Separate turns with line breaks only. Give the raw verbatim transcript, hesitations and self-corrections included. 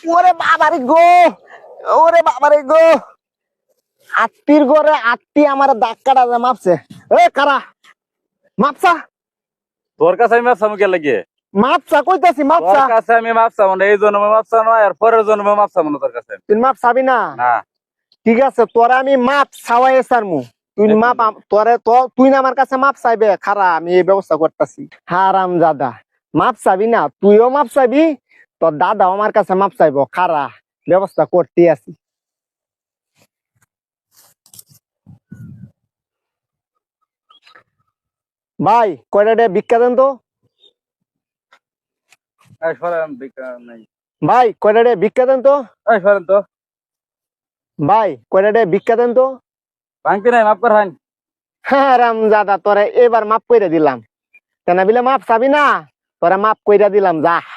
ওরে বাবারে গো, ওরে বাবারে গো, আত্মীর ঘরে আত্মী আমার ধাক্কাটা মাপছে। এ কারা মাপসা,
তোর কাছে আমি মাপসাম কে লাগে?
মাপসা কইতাছি
তোর
মাপসা।
কাছে আমি মাপসাম না, এই জন্মে মাপসাম না, আর পরের জন্মে মাপসাম না তোর কাছে।
তুই মাপ চাবি না?
না।
ঠিক আছে, তোরা আমি মাপ চাওয়াই সারমু। তুই মাপ আম- তোরে তো তুই না আমার কাছে মাপ চাইবে, খারা আমি এই ব্যবস্থা করতেছি। হারাম দাদা, মাপ চাবি না? তুইও মাপ চাইবি, তোর দাদাও আমার কাছে মাপ চাইবো। খারা ব্যবস্থা করতে আছি। ভাই কয়টা ডে ভিক্ষা দেন তো।
এই সরেন, ভিক্ষা নাই।
ভাই কয়টা ডে ভিক্ষা দেন তো।
এই সরেন তো।
ভাই কয়টা ডে ভিক্ষা দেন তো।
ভাঙতি নাই, মাফ কর হাইন।
হারাম দাদা, তোরে এবার মাপ কইরা দিলাম। কেন বিলে মাপ চাবি না, তোরা মাপ কইরা দিলাম, যা।